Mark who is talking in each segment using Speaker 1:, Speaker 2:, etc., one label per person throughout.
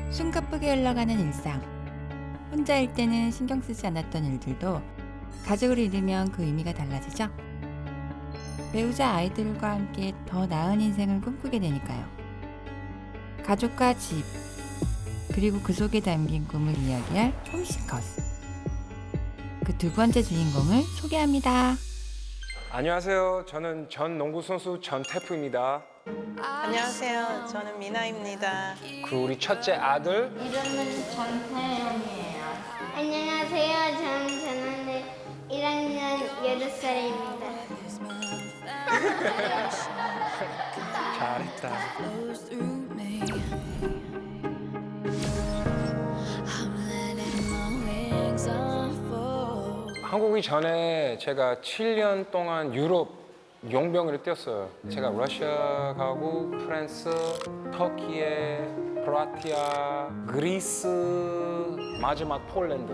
Speaker 1: 숨가쁘게 흘러가는 일상. 혼자일 때는 신경 쓰지 않았던 일들도 가족을 이루면 그 의미가 달라지죠. 배우자 아이들과 함께 더 나은 인생을 꿈꾸게 되니까요. 가족과 집, 그리고 그 속에 담긴 꿈을 이야기할 홈시커스. 그 두 번째 주인공을 소개합니다.
Speaker 2: 안녕하세요. 저는 전 농구 선수 전태프입니다.
Speaker 3: 안녕하세요. 저는 미나입니다.
Speaker 2: 그리고 우리 첫째 아들
Speaker 4: 이름은 전태영이에요. 안녕하세요. 저는 1학년 8살입니다.
Speaker 2: 잘했다. 한국이 전에 제가 7년 동안 유럽 용병을 뛰었어요. 제가 러시아 가고 프랑스, 터키에, 크로아티아, 그리스, 마지막 폴란드.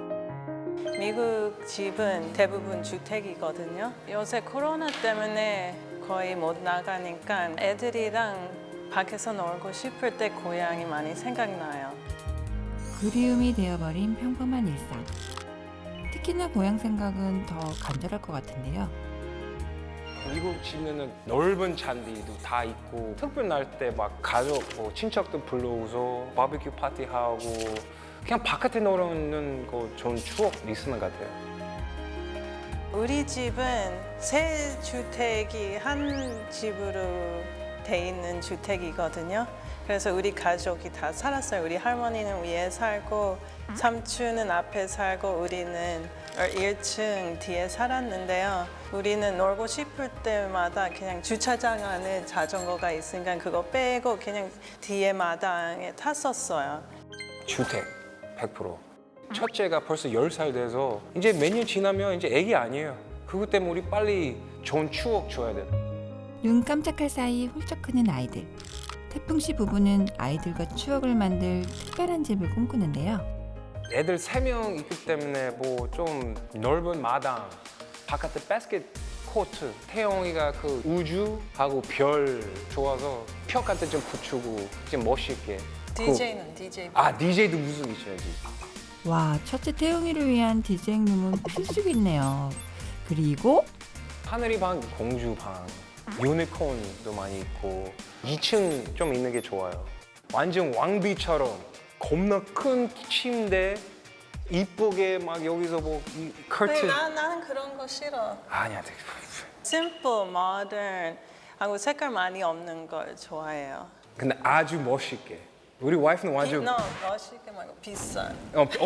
Speaker 3: 미국 집은 대부분 주택이거든요. 요새 코로나 때문에 거의 못 나가니까 애들이랑 밖에서 놀고 싶을 때 고향이 많이 생각나요.
Speaker 1: 그리움이 되어버린 평범한 일상. 특히나 고향 생각은 더 간절할 것 같은데요.
Speaker 2: 미국 집에는 넓은 잔디도 다 있고 특별 날 때 막 가족, 친척들 불러오서 바비큐 파티하고 그냥 바깥에 놀는 거 좋은 추억 있는 것 같아요.
Speaker 3: 우리 집은 세 주택이 한 집으로 돼 있는 주택이거든요. 그래서 우리 가족이 다 살았어요. 우리 할머니는 위에 살고 삼촌은 앞에 살고 우리는 1층 뒤에 살았는데요. 우리는 놀고 싶을 때마다 그냥 주차장 안에 자전거가 있으니까 그거 빼고 그냥 뒤에 마당에 탔었어요.
Speaker 2: 주택 100%. 첫째가 벌써 10살 돼서 이제 몇 년 지나면 이제 애기 아니에요. 그것 때문에 우리 빨리 좋은 추억 줘야 돼.
Speaker 1: 눈 깜짝할 사이 훌쩍 크는 아이들. 태풍 씨 부부는 아이들과 추억을 만들 특별한 집을 꿈꾸는데요.
Speaker 2: 애들 3명 있기 때문에 뭐 좀 넓은 마당, 바깥에 바스켓 코트, 태영이가 그 우주하고 별 좋아서 벽 같은 좀 붙이고 좀 멋있게.
Speaker 3: DJ는 DJ.
Speaker 2: DJ도 무슨 있어야지.
Speaker 1: 와, 첫째 태용이를 위한 디제잉룸은 필수겠네요. 그리고
Speaker 2: 하늘이 방, 공주 방, 유니콘도 많이 있고 2층 좀 있는 게 좋아요. 완전 왕비처럼 겁나 큰 침대 이쁘게 막 여기서 뭐 커튼.
Speaker 3: 나는 그런 거 싫어.
Speaker 2: 아니야, 되게
Speaker 3: 심플, 모던 하고 색깔 많이 없는 걸 좋아해요.
Speaker 2: 근데 아주 멋있게. 우리 와이프는 완전
Speaker 3: 멋있게 말고 비싼.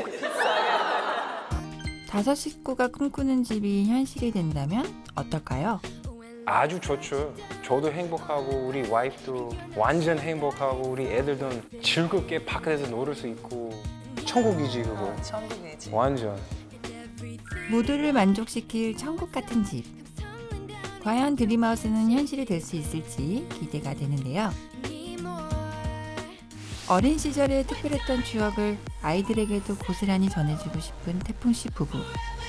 Speaker 1: 다섯 식구가 꿈꾸는 집이 현실이 된다면 어떨까요?
Speaker 2: 아주 좋죠. 저도 행복하고 우리 와이프도 완전 행복하고 우리 애들도 즐겁게 바깥에서 놀을 수 있고 천국이지 그거.
Speaker 3: 천국이지.
Speaker 2: 완전.
Speaker 1: 모두를 만족시킬 천국 같은 집. 과연 드림하우스는 현실이 될 수 있을지 기대가 되는데요. 어린 시절에 특별했던 추억을 아이들에게도 고스란히 전해주고 싶은 태풍 씨 부부.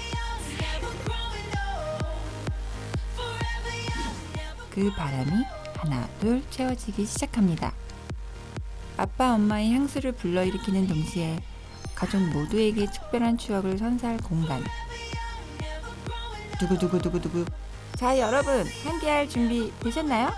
Speaker 1: 그 바람이 하나 둘 채워지기 시작합니다. 아빠 엄마의 향수를 불러일으키는 동시에 가족 모두에게 특별한 추억을 선사할 공간. 두구두구두구두구. 자, 여러분 함께할 준비 되셨나요?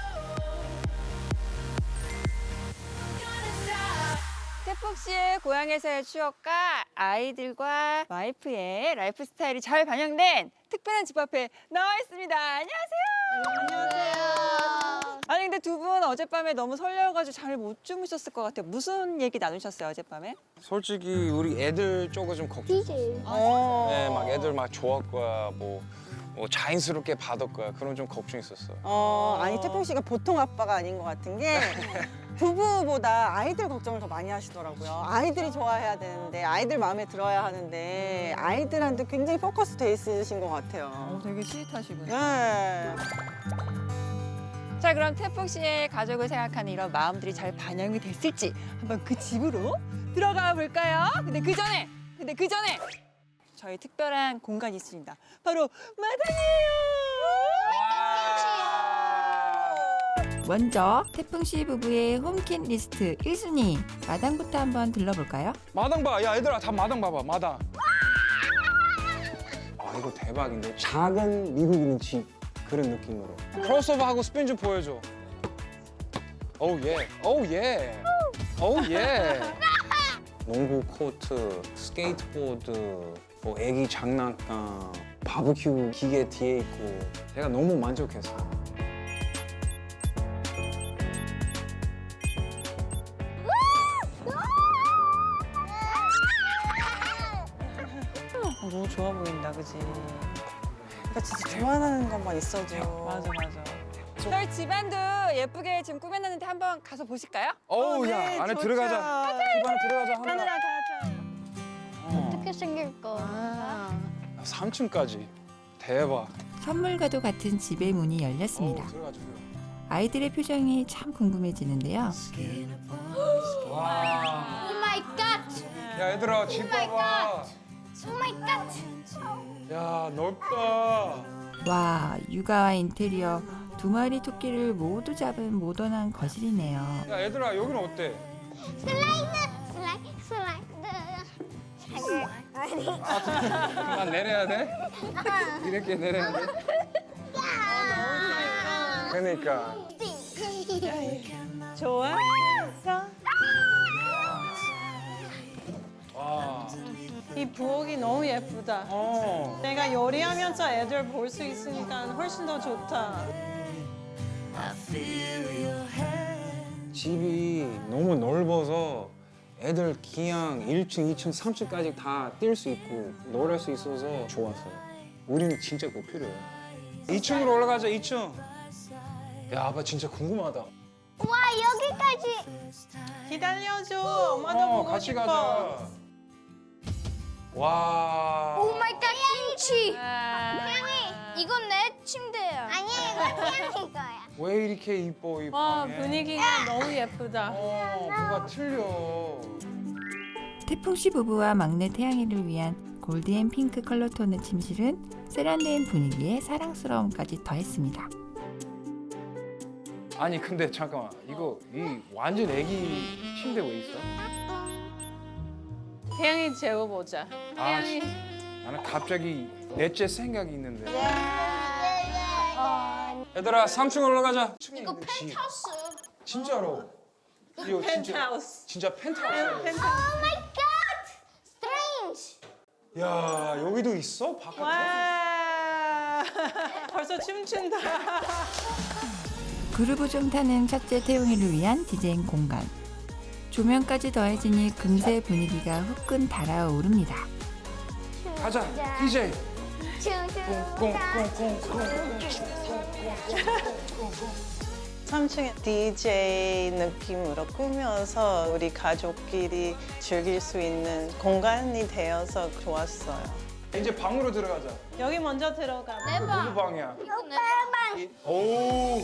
Speaker 1: 태풍 씨의 고향에서의 추억과 아이들과 와이프의 라이프 스타일이 잘 반영된 특별한 집 앞에 나와 있습니다. 안녕하세요. 아니 근데 두 분 어젯밤에 너무 설레어가지고 잘 못 주무셨을 것 같아요. 무슨 얘기 나누셨어요 어젯밤에?
Speaker 2: 솔직히 우리 애들 쪽은 좀 걱정했어요. 네, 막 애들 막 좋아할 거야, 뭐 자연스럽게 받을 거야. 그런 좀 걱정했었어.
Speaker 5: 아니 태풍 씨가 보통 아빠가 아닌 것 같은 게 부부보다 아이들 걱정을 더 많이 하시더라고요. 아이들이 좋아해야 되는데 아이들 마음에 들어야 하는데 아이들한테 굉장히 포커스 돼 있으신 것 같아요.
Speaker 1: 되게 스윗하시군요.
Speaker 5: 네.
Speaker 1: 자, 그럼 태풍 씨의 가족을 생각하는 이런 마음들이 잘 반영이 됐을지 한번 그 집으로 들어가 볼까요? 근데 그 전에 저희 특별한 공간이 있습니다. 바로 마당이에요. 먼저 태풍 씨 부부의 홈킷 리스트 1순위 마당부터 한번 들러볼까요?
Speaker 6: 마당 봐. 야 얘들아 다 마당 봐봐. 마당.
Speaker 2: 아 이거 대박인데 작은 미국인 집 그런 느낌으로.
Speaker 6: 크로스오버하고 스핀 좀 보여줘. 오우 예. 오우 예. 오우 예.
Speaker 2: 농구 코트, 스케이트보드, 뭐 애기 장난감, 바베큐 기계 뒤에 있고 제가 너무 만족했어요.
Speaker 3: 너무 좋아 보인다, 그지?
Speaker 5: 그러니까 진짜 좋아하는 것만 있어도.
Speaker 3: 맞아, 맞아.
Speaker 1: 저희 집안도 예쁘게 지금 꾸며놨는데 한번 가서 보실까요?
Speaker 6: 어우
Speaker 5: 네,
Speaker 6: 야 안에
Speaker 5: 좋죠.
Speaker 6: 들어가자. 집 안에 들어가자.
Speaker 5: 하늘아 가자.
Speaker 4: 어떻게 생길 거?
Speaker 6: 3층까지. 대박.
Speaker 1: 선물과도 같은 집의 문이 열렸습니다.
Speaker 6: 들어가자.
Speaker 1: 아이들의 표정이 참 궁금해지는데요.
Speaker 6: 와.
Speaker 4: 오 마이 갓!
Speaker 6: 야 얘들아 집 봐봐.
Speaker 4: 오 마이 갓!
Speaker 6: 야 넓다.
Speaker 1: 와, 육아와 인테리어 두 마리 토끼를 모두 잡은 모던한 거실이네요.
Speaker 6: 야 얘들아 여기는 어때? 그만 내려야 돼? 이렇게 내려야 돼?
Speaker 2: 그러니까
Speaker 3: 좋아했어?
Speaker 6: 와.
Speaker 3: 이 부엌이 너무 예쁘다. 내가 요리하면서 애들 볼 수 있으니까 훨씬 더 좋다.
Speaker 2: 집이 너무 넓어서 애들 그냥 1층, 2층, 3층까지 다 뛸 수 있고 놀할 수 있어서 좋았어요. 우리는 진짜 그거 필요해요.
Speaker 6: 2층으로 올라가자 2층. 야 아빠 진짜 궁금하다.
Speaker 4: 와 여기까지!
Speaker 3: 기다려줘. 엄마도 보고
Speaker 6: 같이
Speaker 3: 싶어.
Speaker 6: 가자. 와.
Speaker 4: 오 마이 갓 김치! 태양이 이건 내 침대야. 아니 이거 태양이 거야.
Speaker 6: 왜 이렇게 이뻐 이
Speaker 3: 와,
Speaker 6: 방에?
Speaker 3: 분위기가 너무 예쁘다.
Speaker 6: 뭐가 틀려.
Speaker 1: 태풍 씨 부부와 막내 태양이를 위한 골드앤 핑크 컬러 톤의 침실은 세련된 분위기에 사랑스러움까지 더했습니다.
Speaker 6: 아니 근데 잠깐만 이거 이 완전 애기 침대 왜 있어?
Speaker 3: 태양이 재워보자.
Speaker 6: 아,
Speaker 3: 태양이.
Speaker 6: 나는 갑자기 넷째 생각이 있는데.
Speaker 4: 어,
Speaker 6: 얘들아 3층 올라가자.
Speaker 4: 이거 펜트하우스.
Speaker 6: 진짜로. 이거
Speaker 3: 펜트하우스.
Speaker 6: 진짜 펜트하우스.
Speaker 4: 오 마이 갓! 스트레인지.
Speaker 6: 야 여기도 있어? 바깥에?
Speaker 3: 와. 벌써 춤춘다.
Speaker 1: 그루브 좀 타는 첫째 태용이를 위한 디제잉 공간. 조명까지 더해지니 금세 분위기가 후끈 달아오릅니다.
Speaker 6: 가자 DJ. 꽁꽁꽁꽁꽁.
Speaker 3: 3층에 DJ 느낌으로 꾸며서 우리 가족끼리 즐길 수 있는 공간이 되어서 좋았어요.
Speaker 6: 이제 방으로 들어가자.
Speaker 3: 여기 먼저 들어가.
Speaker 6: 누구 방이야?
Speaker 4: 오빠방.
Speaker 6: 오.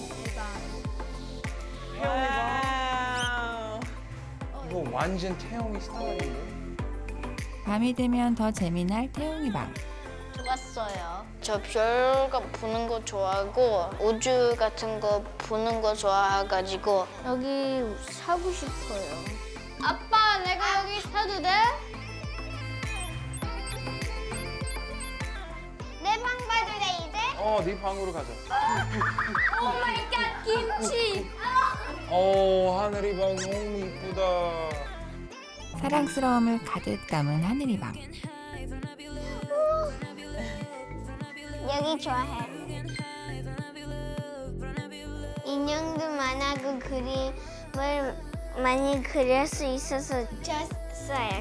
Speaker 3: 와우.
Speaker 6: 이거 완전 태영이 스타일인데.
Speaker 1: 밤이 되면 더 재미날 태용이 방.
Speaker 4: 좋았어요. 저 별 보는 거 좋아하고 우주 같은 거 보는 거 좋아해가지고 여기 사고 싶어요. 아빠, 내가 여기 사도 돼? 내 방 봐도 돼 이제?
Speaker 6: 네 방으로 가자.
Speaker 4: 오 마이 갓 김치.
Speaker 6: 하늘이 방 너무 이쁘다.
Speaker 1: 사랑스러움을 가득 담은 하늘이 방.
Speaker 4: 여기 좋아해. 인형도 많아고 그림을 많이 그릴 수 있어서 좋았어요.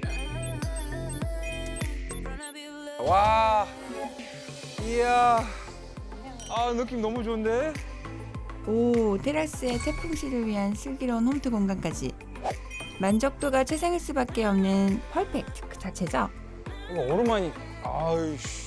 Speaker 6: 와. 이야. 느낌 너무 좋은데?
Speaker 1: 오, 테라스에 태풍 씨를 위한 슬기로운 홈트 공간까지. 만족도가 최상일 수밖에 없는 퍼펙트 그 자체죠.
Speaker 6: 이거 오랜만이. 아이씨.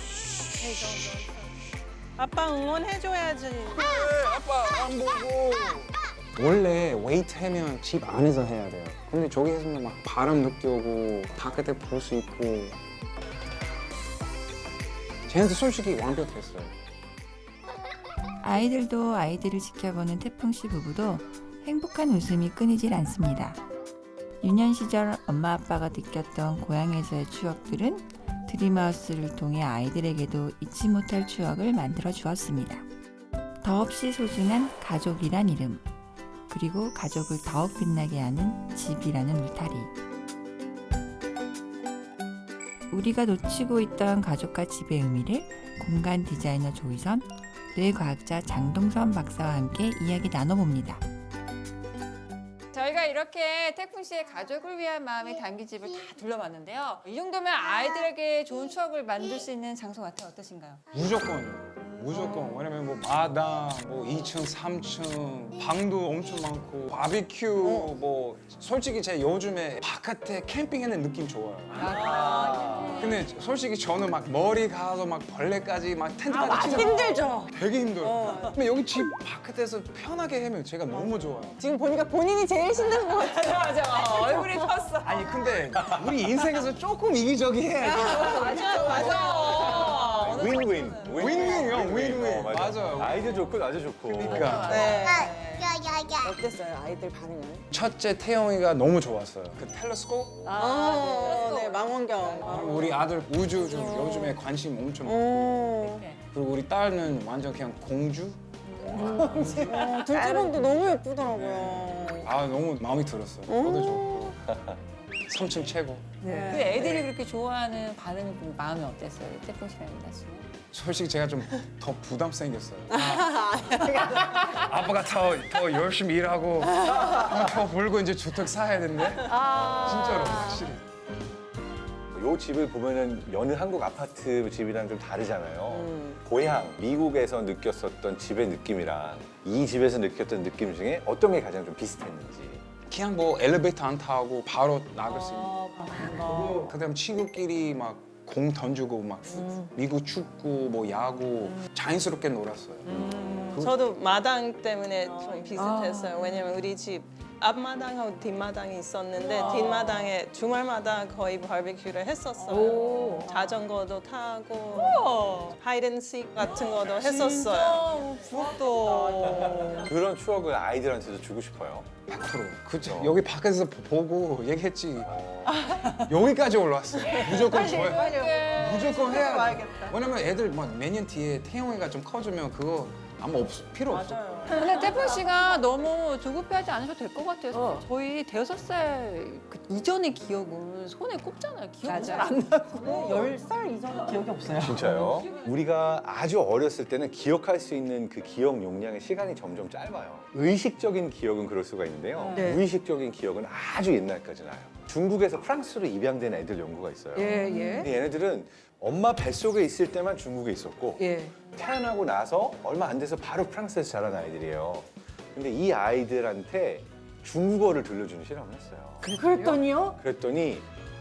Speaker 3: 아빠 응원해줘야지.
Speaker 6: 아빠 안 보고.
Speaker 2: 원래 웨이트 하면 집 안에서 해야 돼요. 근데 저기 했으면 막 바람 느껴오고 바깥에 볼 수 있고 쟤한테 솔직히 완벽했어요.
Speaker 1: 아이들도 아이들을 지켜보는 태풍 씨 부부도 행복한 웃음이 끊이질 않습니다. 유년 시절 엄마 아빠가 느꼈던 고향에서의 추억들은 드림하우스를 통해 아이들에게도 잊지 못할 추억을 만들어 주었습니다. 더없이 소중한 가족이란 이름, 그리고 가족을 더욱 빛나게 하는 집이라는 울타리. 우리가 놓치고 있던 가족과 집의 의미를 공간 디자이너 조희선, 뇌과학자 장동선 박사와 함께 이야기 나눠봅니다. 저희가 이렇게 태풍 씨의 가족을 위한 마음이 담긴 집을 다 둘러봤는데요. 이 정도면 아이들에게 좋은 추억을 만들 수 있는 장소 같아요. 어떠신가요?
Speaker 6: 무조건요. 무조건. 왜냐면 뭐 마당, 뭐 2층, 3층, 방도 엄청 많고 바비큐 뭐 솔직히 제 요즘에 바깥에 캠핑하는 느낌 좋아요. 근데 솔직히 저는 막 머리 가서 막 벌레까지 막 텐트까지 치는
Speaker 5: 힘들죠.
Speaker 6: 되게 힘들어요. 근데 여기 집 바깥에서 편하게 하면 제가 너무 좋아요.
Speaker 5: 지금 보니까 본인이 제일 신나는 것 같아요.
Speaker 1: 맞아. 얼굴이 폈어.
Speaker 6: 아니 근데 우리 인생에서 조금 이기적이해야지.
Speaker 1: 맞아.
Speaker 7: 윈윈.
Speaker 6: 윈윈이요, 윈윈.
Speaker 7: 맞아.
Speaker 6: 맞아요.
Speaker 7: 아이도 좋고 나도 좋고.
Speaker 6: 그러니까
Speaker 5: 네. 어땠어요, 아이들 반응은?
Speaker 6: 첫째 태영이가 너무 좋았어요. 그 텔레스코프?
Speaker 5: 네, 망원경.
Speaker 6: 우리 아들 우주 좀 요즘에 관심 엄청 많고
Speaker 5: 오.
Speaker 6: 그리고 우리 딸은 완전 그냥 공주?
Speaker 5: 둘째 방도 너무 예쁘더라고요.
Speaker 6: 아 너무 마음에 들었어요. 저도 좋고 3층 최고.
Speaker 1: 그 애들이 그렇게 좋아하는 반응은 좀 마음이 어땠어요? 태풍 씨랑 이나 씨는?
Speaker 6: 솔직히 제가 좀 더 부담 생겼어요. 아빠가 더 열심히 일하고 더 벌고 이제 주택 사야 되는데 진짜로 확실히.
Speaker 7: 요 집을 보면은 여느 한국 아파트 집이랑 좀 다르잖아요. 고향 미국에서 느꼈었던 집의 느낌이랑 이 집에서 느꼈던 느낌 중에 어떤 게 가장 좀 비슷했는지.
Speaker 6: 그냥 뭐 엘리베이터 안 타고 바로 나갈 수 있는. 그다음 친구끼리 막 공 던지고 막 미국 축구 뭐 야구 자연스럽게 놀았어요.
Speaker 3: 저도 마당 때문에 좀 비슷했어요. 왜냐면 우리 집 앞마당하고 뒷마당이 있었는데 뒷마당에 주말마다 거의 바비큐를 했었어요. 자전거도 타고 하이든식 같은 것도 했었어요.
Speaker 1: 부럽다.
Speaker 7: 그런 추억을 아이들한테도 주고 싶어요.
Speaker 6: 100%. 그죠. 여기 밖에서 보고 얘기했지. 여기까지 올라왔어요. 무조건 줘야. 무조건 해야 돼. 왜냐면 애들 뭐 매년 뒤에 태영이가 좀 커지면 그거 아무 필요 없어.
Speaker 1: 근데 태풍 씨가 너무 조급해하지 않으셔도 될 것 같아요. 저희 5살 그 이전의 기억은 손에 꼽잖아요. 기억이 잘 안 나고.
Speaker 5: 10살 이전은 기억이 없어요.
Speaker 7: 진짜요? 우리가 아주 어렸을 때는 기억할 수 있는 그 기억 용량의 시간이 점점 짧아요. 의식적인 기억은 그럴 수가 있는데요.
Speaker 5: 네.
Speaker 7: 무의식적인 기억은 아주 옛날까지 나요. 중국에서 프랑스로 입양된 애들 연구가 있어요. 근데 얘네들은 엄마 뱃속에 있을 때만 중국에 있었고 태어나고 나서 얼마 안 돼서 바로 프랑스에서 자란 아이들이에요. 근데 이 아이들한테 중국어를 들려주는 실험을 했어요.
Speaker 5: 그랬더니요?
Speaker 7: 그랬더니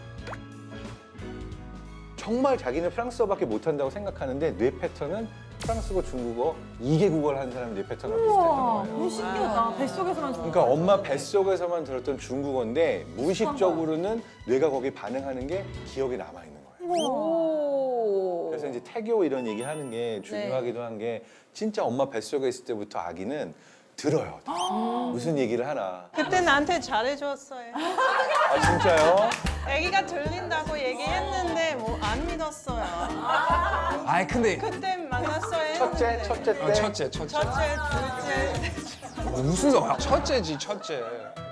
Speaker 7: 정말 자기는 프랑스어밖에 못한다고 생각하는데 뇌 패턴은 프랑스어, 중국어 2개국어를 하는 사람 뇌 패턴과 비슷했던 거예요.
Speaker 5: 너무 신기하다. 뱃속에서만 좋아.
Speaker 7: 그러니까 엄마 뱃속에서만 들었던 중국어인데 무의식적으로는 뇌가 거기 반응하는 게 기억에 남아있는 거예요. 그래서 이제 태교 이런 얘기 하는 게 중요하기도 한 게 진짜 엄마 뱃속에 있을 때부터 아기는 들어요. 무슨 얘기를 하나.
Speaker 3: 그때 나한테 잘해줬어요.
Speaker 7: 아 진짜요?
Speaker 3: 아기가 들린다고 얘기했는데 뭐 안 믿었어요.
Speaker 6: 아이 근데
Speaker 3: 그때 만났어야 했는데.
Speaker 7: 첫째 때?
Speaker 6: 첫째.
Speaker 3: 첫째, 둘째.
Speaker 6: 무슨 소 첫째지 첫째.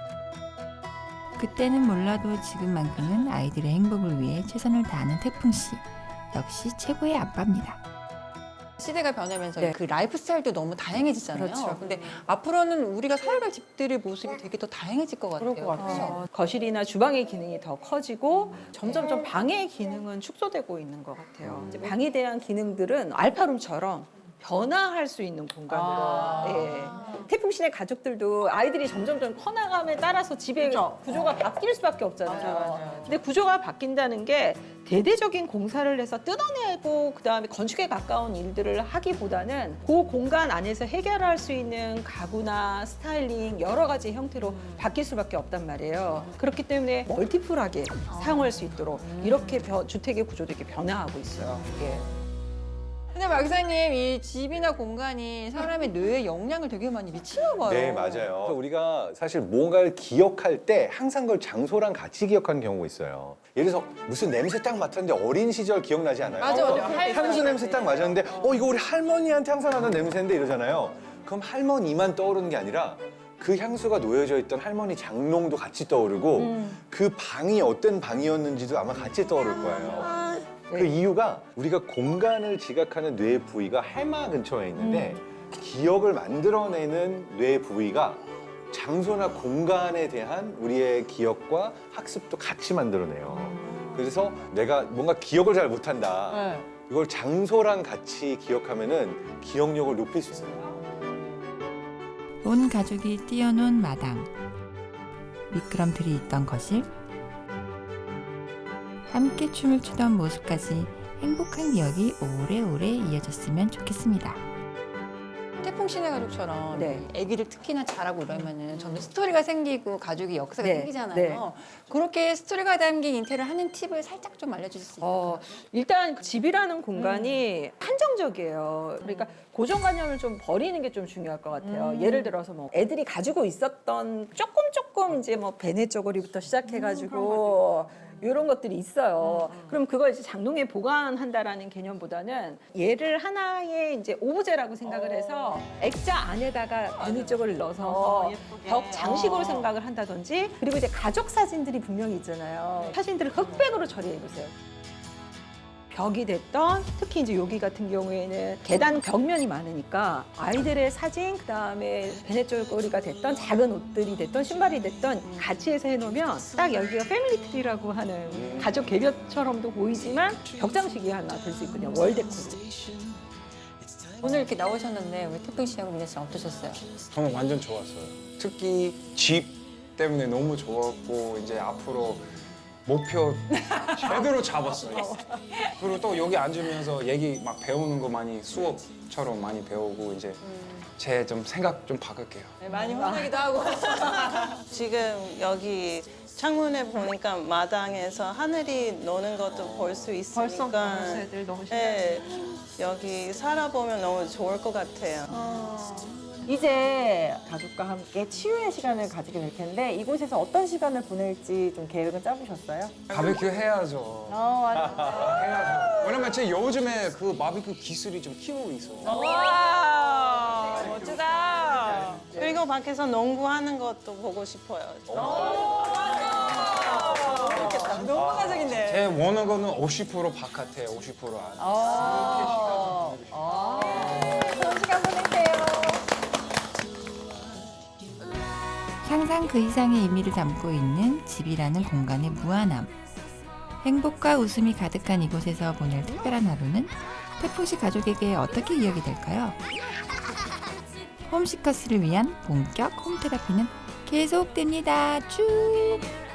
Speaker 1: 그때는 몰라도 지금만큼은 아이들의 행복을 위해 최선을 다하는 태풍 씨. 역시 최고의 아빠입니다. 시대가 변하면서 그 라이프 스타일도 너무 다양해지잖아요. 근데 앞으로는 우리가 살아갈 집들의 모습이 되게 더 다양해질 것 같아요. 그렇죠?
Speaker 8: 거실이나 주방의 기능이 더 커지고 점점점 방의 기능은 축소되고 있는 것 같아요. 이제 방에 대한 기능들은 알파룸처럼 변화할 수 있는 공간으로. 예. 태풍신의 가족들도 아이들이 점점점 커나감에 따라서 집의 구조가 바뀔 수밖에 없잖아요. 근데 구조가 바뀐다는 게 대대적인 공사를 해서 뜯어내고 그다음에 건축에 가까운 일들을 하기보다는 그 공간 안에서 해결할 수 있는 가구나 스타일링 여러 가지 형태로 바뀔 수밖에 없단 말이에요. 그렇기 때문에 멀티플하게 사용할 수 있도록 이렇게 주택의 구조도 이렇게 변화하고 있어요. 예.
Speaker 1: 근데 박사님 이 집이나 공간이 사람의 뇌에 영향을 되게 많이 미치나 봐요.
Speaker 7: 네, 맞아요. 우리가 사실 뭔가를 기억할 때 항상 그걸 장소랑 같이 기억하는 경우가 있어요. 예를 들어서 무슨 냄새 딱 맡았는데 어린 시절 기억나지 않아요?
Speaker 1: 맞아.
Speaker 7: 향수 냄새 딱 맡았는데 이거 우리 할머니한테 항상 나는 냄새인데 이러잖아요. 그럼 할머니만 떠오르는 게 아니라 그 향수가 놓여져 있던 할머니 장롱도 같이 떠오르고 그 방이 어떤 방이었는지도 아마 같이 떠오를 거예요. 그 이유가 우리가 공간을 지각하는 뇌 부위가 해마 근처에 있는데 기억을 만들어내는 뇌 부위가 장소나 공간에 대한 우리의 기억과 학습도 같이 만들어내요. 그래서 내가 뭔가 기억을 잘 못한다. 이걸 장소랑 같이 기억하면은 기억력을 높일 수 있어요.
Speaker 1: 온 가족이 뛰어논 마당, 미끄럼틀이 있던 거실, 함께 춤을 추던 모습까지 행복한 기억이 오래오래 이어졌으면 좋겠습니다. 태풍 씨네 가족처럼
Speaker 8: 네.
Speaker 1: 아기들 특히나 잘하고 이러면은 점점 스토리가 생기고 가족의 역사가
Speaker 8: 네.
Speaker 1: 생기잖아요.
Speaker 8: 네.
Speaker 1: 그렇게 스토리가 담긴 인테리어 하는 팁을 살짝 좀 알려주실 수 있어요?
Speaker 8: 일단 그 집이라는 공간이 한정적이에요. 그러니까 고정관념을 좀 버리는 게 좀 중요할 것 같아요. 예를 들어서 뭐 애들이 가지고 있었던 조금 이제 뭐 베네 쪼고리부터 시작해가지고 이런 것들이 있어요. 그럼 그걸 이제 장롱에 보관한다라는 개념보다는 얘를 하나의 이제 오브제라고 생각을 해서 액자 안에다가 베네 쪼고리를 넣어서 벽 장식으로 생각을 한다든지 그리고 이제 가족 사진들이 분명히 있잖아요. 사진들을 흑백으로 처리해 보세요. 벽이 됐던 특히 이제 여기 같은 경우에는 계단 벽면이 많으니까 아이들의 사진 그다음에 베네쪼고리가 됐던 작은 옷들이 됐던 신발이 됐던 같이 해서 해놓으면 딱 여기가 패밀리 트리라고 하는 가족 궤벽처럼도 보이지만 벽 장식이 하나 될 수 있거든요. 월데코로.
Speaker 1: 오늘 이렇게 나오셨는데 우리 태풍 씨하고 민혜 씨 어떠셨어요?
Speaker 6: 저는 완전 좋았어요. 특히 집 때문에 너무 좋았고 이제 앞으로 목표 제대로 잡았어요. 그리고 또 여기 앉으면서 얘기 막 배우는 거 많이 수업처럼 많이 배우고 이제 제 좀 생각 좀 바꿀게요.
Speaker 1: 네, 많이 혼나기도 하고.
Speaker 3: 지금 여기 창문에 보니까 마당에서 하늘이 노는 것도 볼 수 있으니까
Speaker 8: 애들 너무
Speaker 3: 네, 여기 살아보면 너무 좋을 것 같아요.
Speaker 5: 이제 가족과 함께 치유의 시간을 가지게 될 텐데 이곳에서 어떤 시간을 보낼지 좀 계획은 짜보셨어요?
Speaker 6: 바베큐 해야죠. 해야죠. 왜냐면 제 요즘에 그 바베큐 기술이 좀 키우고 있어요.
Speaker 3: 와 멋지다. 그리고 밖에서 농구하는 것도 보고 싶어요.
Speaker 1: 너무 가족인데.
Speaker 6: 제 원하는 거는 50% 바깥에 50% 안에.
Speaker 1: 좋은 시간 보내세요. 항상 그 이상의 의미를 담고 있는 집이라는 공간의 무한함. 행복과 웃음이 가득한 이곳에서 보낼 특별한 하루는 태풍 씨 가족에게 어떻게 이어이 될까요? 홈시커스를 위한 본격 홈테라피는 계속됩니다. 쭉!